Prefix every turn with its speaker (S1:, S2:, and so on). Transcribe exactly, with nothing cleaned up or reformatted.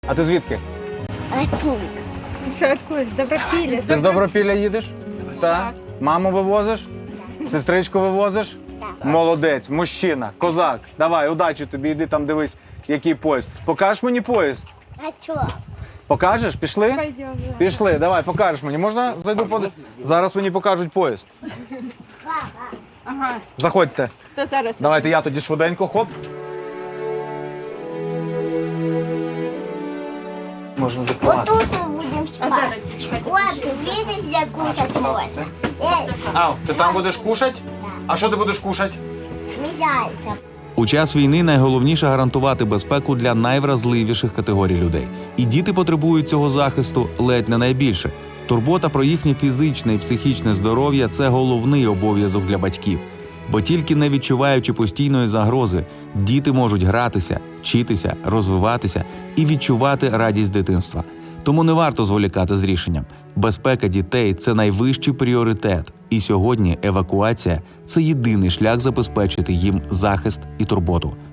S1: А ти звідки?
S2: Це откуда? Добропілля.
S1: Ти з Добропілля їдеш? Так. Маму вивозиш? Сестричку вивозиш?
S3: Так.
S1: Молодець, мужчина, козак. Давай, удачі тобі, йди там дивись, який поїзд. Покажеш мені поїзд?
S3: А чого?
S1: Покажеш? Пішли?
S2: Пойдем.
S1: Пішли, давай, покажеш мені. Можна зайду поди? Зараз мені покажуть поїзд.
S2: Ага,
S1: Заходьте.
S2: то зараз.
S1: Давайте я тоді швиденько, хоп. Можна закривати.
S3: Отут ми будемо
S2: А
S3: спати.
S2: зараз чекайте.
S3: От, видиш, де кушать можна. Ей,
S1: Ау, ти там будеш кушать? А що ти будеш кушать?
S3: сміяйся.
S4: У час війни найголовніше гарантувати безпеку для найвразливіших категорій людей. І діти потребують цього захисту ледь не найбільше. Турбота про їхнє фізичне і психічне здоров'я – це головний обов'язок для батьків. Бо тільки не відчуваючи постійної загрози, діти можуть гратися, вчитися, розвиватися і відчувати радість дитинства. Тому не варто зволікати з рішенням. Безпека дітей – це найвищий пріоритет. І сьогодні евакуація – це єдиний шлях забезпечити їм захист і турботу.